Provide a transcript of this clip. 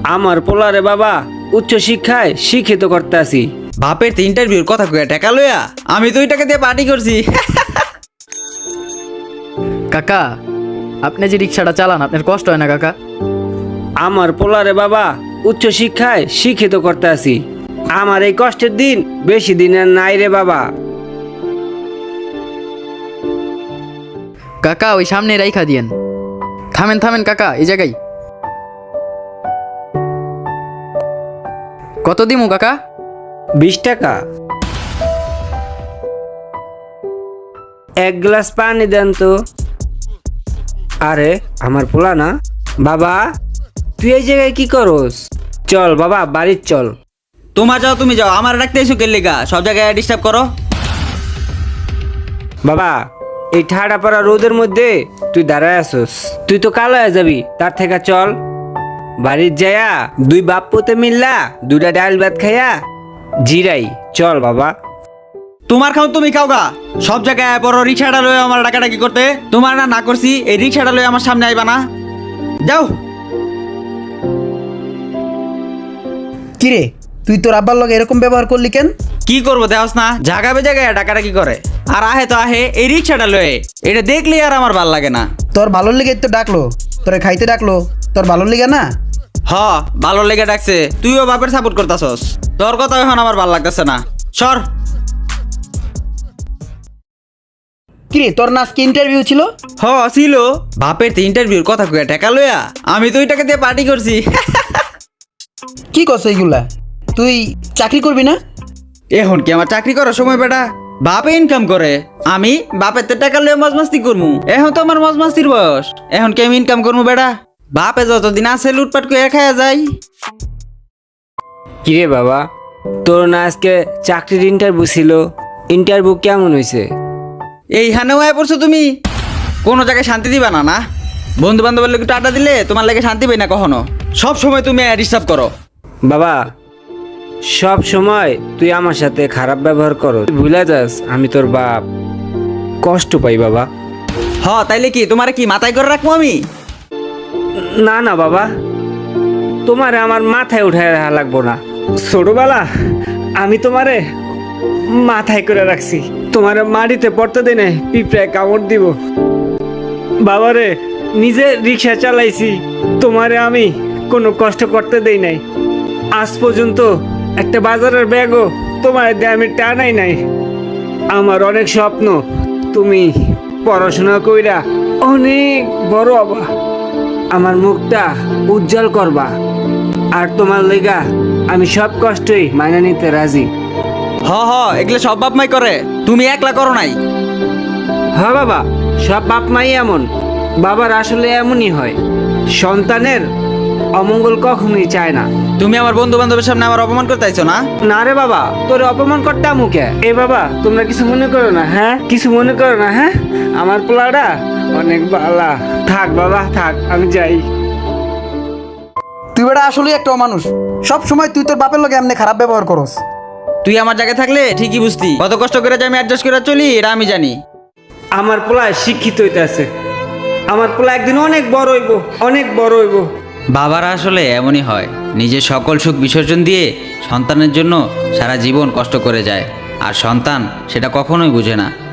আমার পোলারে বাবা উচ্চ শিক্ষায় শিক্ষিত করতে আসি। বাপের তো ইন্টারভিউর কথা কইয়া টাকা লইয়া আমি তো ওই টাকা দিয়ে পার্টি করছি। কাকা, আপনি যে রিক্সাটা চালান আপনার কষ্ট হয় না কাকা? আমার পোলারে বাবা উচ্চ শিক্ষায় শিক্ষিত করতে আসি। আমার এই কষ্টের দিন বেশি দিন আর নাই রে বাবা। কাকা ওই সামনে রাইখা দিয়েন। থামেন থামেন কাকা, এই জায়গায় কত দিমু কাকা? 20 টাকা। এক গ্লাস পানি দেন তো। আরে আমার পোলা না। বাবা তুই এই জায়গায় কি করস? চল বাবা বাড়ির চল। তোমার যাও, তুমি যাও, আমার রাখতে এসো কে লেগা? সব জায়গায় ডিস্টার্ব করো। বাবা এই ঠাডা পড়া রোদের মধ্যে তুই দাঁড়ায় আসস, তুই তো কালো হয়ে যাবি। তার থেকে চল বাড়ির যায়া দুই বাপ পুতে মিললা দুইটা ডাল ভাত খাইয়া জিরাই। চল বাবা। তোমার খাও তুমি খাও গা। সব জায়গায় বড় রিক্সাটা লয়ে আমার ডাকাডাকি করতে। তোমার না না করছি এই রিক্সাটা লয়ে আমার সামনে আইবা না। যাও। কিরে তুই তোর আব্বার লগে এরকম ব্যবহার করলি কেন? কি করবো দেখাস না, জাগাবে জায়গায় ডাকাডাকি করে। আর আহে তো আহে এই রিক্সাটা লয়ে, এটা দেখলে আর আমার ভাল লাগে না। তোর ভালোর লেগে তো ডাকলো, তোরে খাইতে ডাকলো, তোর ভালোর লেগে না? হ ভালো লেগে ডাকছে, তুইও বাপের সাপোর্ট করতাছস। তোর কথা এখন আমার ভাল লাগতেছে না, সর। কিরে তোর না আজকে ইন্টারভিউ ছিল? হ ছিল। বাপের তো ইন্টারভিউর কথা কইয়া টাকা লইয়া আমি তো ওই টাকা দিয়ে পার্টি করছি। কি করছো এইগুলা? তুই চাকরি করবি না? এখন কি আমার চাকরি করার সময় বেটা? বাপে ইনকাম করে, আমি বাপের তো টাকা লইয়া মজমাস্তি করমু। এখন তো আমার মজমাস্তির বয়স, এখন কি আমি ইনকাম করমু বেটা? বাপে যতদিন আছে লুটপাট করে খাইয়া যায়। কিরে বাবা তোর না আজকে চাকরির ইন্টারভিউ ছিল, ইন্টারভিউ কেমন হয়েছে? এইখানেও আয় পড়ছো তুমি? কোনো জায়গায় শান্তি দিবা না? না বন্ধু বান্ধবের লোক আড্ডা দিলে তোমার লাগে শান্তি পাই না কখনো। সব সময় তুমি ডিস্টার্ব করো। বাবা সব সময় তুই আমার সাথে খারাপ ব্যবহার করো, তুই ভুলে যাস আমি তোর বাপ। কষ্ট পাই বাবা। হ তাইলে কি তোমারে কি মাথায় করে রাখবো আমি? না না বাবা, তোমারে আমার মাথায় উঠায় রাখা লাগবো না। ছোটবেলা আমি তোমারে মাথায় করে রাখছি, তোমারে মাটিতে পড়তে দেয় না, পিঁপড়ায় কামড় দিব। বাবারে নিজে রিক্সা চালাইছি, তোমারে আমি কোনো কষ্ট করতে দেই নাই। আজ পর্যন্ত একটা বাজারের ব্যাগও তোমার দিয়ে আমি টানাই নাই। আমার অনেক স্বপ্ন তুমি পড়াশোনা কইরা অনেক বড় হবা, আমার মুখটা উজ্জ্বল করবা। আর তোমার লেগা আমি সব কষ্টই মাইনা নিতে রাজি। হ হ এগুলো সব বাপ মাই করে, তুমি একলা করো নাই। হ্যাঁ বাবা, সব বাপ মাই এমন। বাবার আসলে এমনই হয়, সন্তানের অমঙ্গল কখনোই চায় না। তুমি আমার বন্ধু বান্ধবের সামনে আমার অপমান করতে আইছো না? না রে বাবা, তোর অপমান করতে মুখে। এ বাবা তোমরা কিছু মনে করো না, হ্যাঁ কিছু মনে করো না। হ্যাঁ আমার পোলাটা অনেক ভালো। থাক বাবা থাক, আমি যাই। তুই বেটা আসলেই একটা মানুষ, সব সময় তুই তোর বাপের লগে এমনি খারাপ ব্যবহার করস। তুই আমার জায়গায় থাকলে ঠিকই বুঝতি কত কষ্ট করে যে আমি অ্যাডজাস্ট করে চলি, এটা আমি জানি। আমার পোলা শিক্ষিত হইতে আছে, আমার পোলা একদিন অনেক বড় হইব, অনেক বড় হইব। বাবারা আসলে এমনই হয়, নিজের সকল সুখ বিসর্জন দিয়ে সন্তানের জন্য সারা জীবন কষ্ট করে যায়, আর সন্তান সেটা কখনোই বুঝে না।